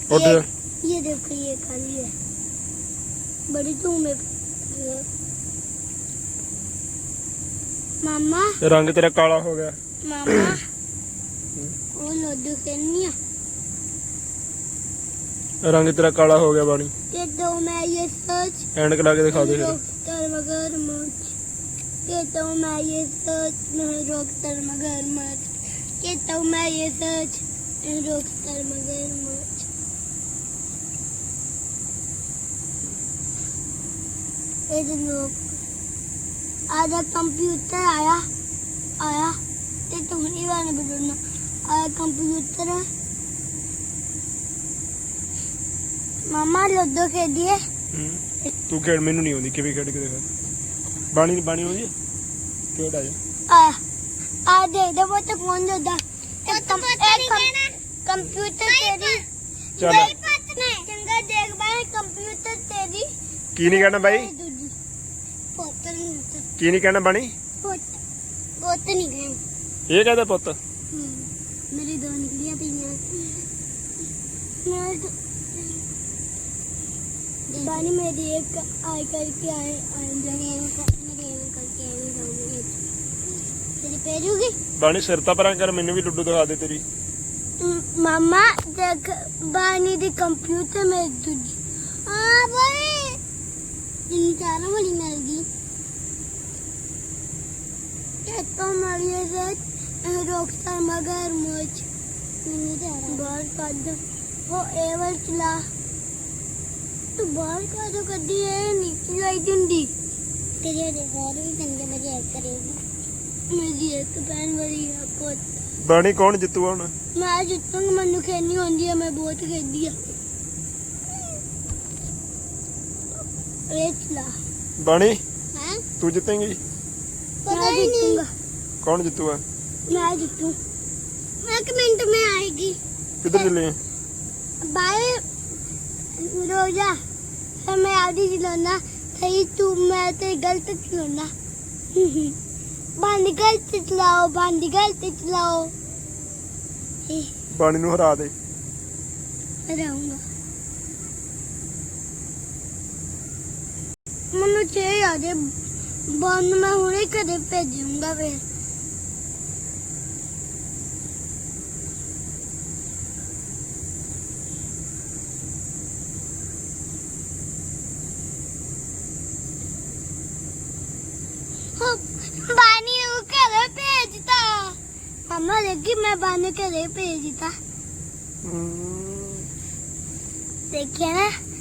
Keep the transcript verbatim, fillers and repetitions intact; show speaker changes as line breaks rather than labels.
ये,
ये देखो ये खाली है, बड़ी धूम है। मामा
रंग तेरा काला हो गया।
मामा वो लड्डू खेलनी है,
रंग तेरा काला हो गया बानी।
ये तो मैं ये सच
एंड करा के दिखा दे फिर।
डॉक्टर मगरमच्छ, ये तो मैं ये सच मैं डॉक्टर मगरमच्छ, ये तो मैं ये सच मैं डॉक्टर मगरमच्छ। ये लोग आधा कंप्यूटर आया आया ते तुम नहीं वाले बोलना आया कंप्यूटर है। मामा लड्डू खेलिए।
तू खेड़ मैनू नहीं आती, किवें खेड़ के दिखा। बाणी बाणी आउंदी है खेड़ आ जा।
आया आ दे दे वो तो कौन देता एक कम एक कंप्यूटर तेरी
चल
चंगा देख भाई कंप्यूटर तेरी
की नहीं कहना भाई,
पोत नहीं
की नहीं कहना बाणी,
पोत पोत नहीं गए
ये कहदा पुੱਤ।
मेरी दो निकलियां थी मैं बानी मेरी एक आई करके आए आएंगे मेरी एक करके आए जाऊंगी तेरी पेरूगी।
बाणी सिर ਤਾਂ ਪਰਾਂ ਕਰ, ਮੈਨੂੰ ਵੀ ਲੁੱਡੂ ਦਿਖਾ ਦੇ ਤੇਰੀ।
मामा देख बानी दी कंप्यूटर में दूजी हां भाई इन चारों वाली मिल गई। ये तो मारिए से डॉक्टर मगरमच्छ नहीं दे रहा बाहर काट वो एवर चला तो बाहर का तो कदी है नहीं चलाई दिंदी तेरे दे और भी चंगे मजे करेगी। मेरी एक बहन बड़ी है पुੱਤ।
बाणी कौन जितूगा ਹੁਣ?
मैं जितूंगी, मैनू खेलनी होंदी है, मैं बहुत खेलदी है। ये चला
बाणी
हैं
तू जितेंगी?
मैं जीतूंगा।
कौन जितूगा?
मैं जीतूं, एक मिनट में आएगी।
किधर चले हैं?
बाय रोजा फिर मैं आधी चलाना सही तू मैं ते गलत चलाना बंद गलत चलाओ बंद गलत चलाओ।
बाणी ਨੂੰ ਹਰਾ ਦੇ।
हराऊंगा मनु चे याद बंद मैं हुणे कदे भेजूंगा फिर। बानी को घरे भेजता मम्मा देखी मैं बानी घरे भेजता देखिए ना।